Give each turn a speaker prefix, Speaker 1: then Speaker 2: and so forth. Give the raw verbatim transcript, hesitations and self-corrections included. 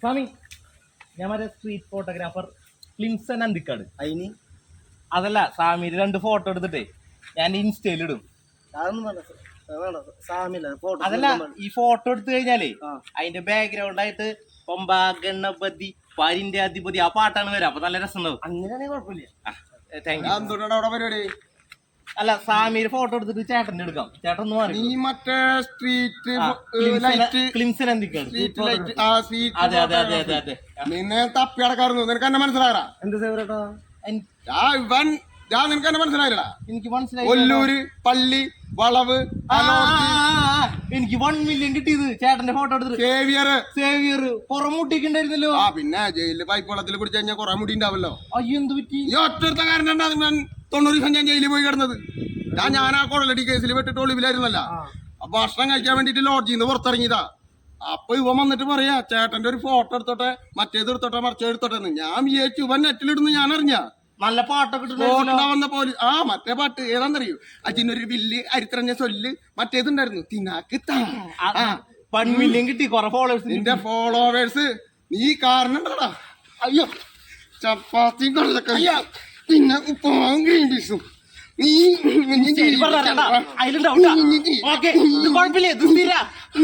Speaker 1: സ്വാമി ഞാൻ മറ്റേ street photographer Clinson Anthikad.
Speaker 2: അതിന്
Speaker 1: അതല്ല സ്വാമിയുടെ രണ്ട് ഫോട്ടോ എടുത്തിട്ടേ ഞാൻ ഇൻസ്റ്റയിൽ ഇടും.
Speaker 2: അതൊന്നും വേണ്ട വേണ്ട സാമില്ല ഫോട്ടോ.
Speaker 1: അതല്ല ഈ ഫോട്ടോ എടുത്തു കഴിഞ്ഞാലേ അതിന്റെ ബാക്ക്ഗ്രൗണ്ട് ആയിട്ട് പമ്പ ഗണപതി പരിന്റെ അധിപതി ആ പാട്ടാണ് വരാം. അപ്പൊ നല്ല രസം ഉണ്ടാവും.
Speaker 2: അങ്ങനെയാണെങ്കിൽ കുഴപ്പമില്ല.
Speaker 1: Thank you.
Speaker 3: എന്തുകൊണ്ടാണ് അവിടെ പരിപാടി?
Speaker 1: അല്ല സ്വാമിയുടെ ഫോട്ടോ എടുത്തിട്ട് ചേട്ടന്റെ എടുക്കാം. ചേട്ടൻ ഒന്ന് മാറി.
Speaker 3: നീ മറ്റേ street
Speaker 1: Clinson Anthikad.
Speaker 3: Street light ആ സ്ട്രീറ്റ്
Speaker 1: അതെ അതെ അതെ അതെ അതെ
Speaker 3: നിന്നെ തപ്പി അടക്കാറുന്നു. നിനക്ക് എന്നെ മനസ്സിലായടാ?
Speaker 2: എന്ത് സേവരട്ടോ?
Speaker 3: ആ ഇവൻ ഞാൻ നിനക്ക് എന്നെ മനസ്സിലായില്ലടാ?
Speaker 1: എനിക്ക് മനസ്സിലായി.
Speaker 3: ഒല്ലൂര് പള്ളി വളവ്
Speaker 1: എനിക്ക് വൺ മില്യൺ കിട്ടിയത് ചേട്ടന്റെ ഫോട്ടോ എടുത്തിട്ട്.
Speaker 3: സേവിയർ
Speaker 1: സേവിയർ പുറമുട്ടിക്കുണ്ടായിരുന്നല്ലോ.
Speaker 3: ആ പിന്നെ ജയിലില് പൈപ്പ് വെള്ളത്തിൽ പിടിച്ചു കഴിഞ്ഞാൽ കുറെ മുടി ഉണ്ടാവല്ലോ.
Speaker 1: അയ്യോ എന്ത് പറ്റി?
Speaker 3: ഈ ഒറ്റ കാരനാണ് ഞാൻ തൊണ്ണൂറ് ദിവസം ഞാൻ ജയിലിൽ പോയി കിടന്നത്. ഞാൻ ഞാൻ ആ കൊള്ളടി കേസിൽ പെട്ടിട്ട് ഒളിവിലായിരുന്നല്ല. അപ്പൊ ഭക്ഷണം കഴിക്കാൻ വേണ്ടിട്ട് ലോഡ്ജിൽ നിന്ന് പുറത്തിറങ്ങിയതാ. അപ്പൊ ഇവൻ വന്നിട്ട് പറയാ ചേട്ടന്റെ ഒരു ഫോട്ടോ എടുത്തോട്ടെ, മറ്റേത് എടുത്തോട്ടെ, മറിച്ചത് എടുത്തോട്ടെ. ഞാൻ വിചാരിച്ചു ഇവൻ നെറ്റിലിടുന്നു. ഞാൻ അറിഞ്ഞ
Speaker 1: നല്ല പാട്ടൊക്കെ
Speaker 3: വന്ന പോലെ ആ മറ്റേ പാട്ട് ഏതാന്നറിയോ? അജിനൊരു വില്ല് അരിത്രഞ്ഞ സൊല്ല് മറ്റേതുണ്ടായിരുന്നു തിനാക്ക്
Speaker 1: വൺ മില്യൺ കിട്ടി. കൊറേ ഫോളോവേഴ്സ്.
Speaker 3: നിന്റെ ഫോളോവേഴ്സ് നീ കാരണം ഉണ്ടടാ. അയ്യോ ചപ്പാത്തി കൊള്ളക്കയ്യ പിന്നെ ഉപ്പുമാവും ഗ്രീൻ പീസും നീ
Speaker 1: അതിലുണ്ടാവും. കുഴപ്പമില്ല.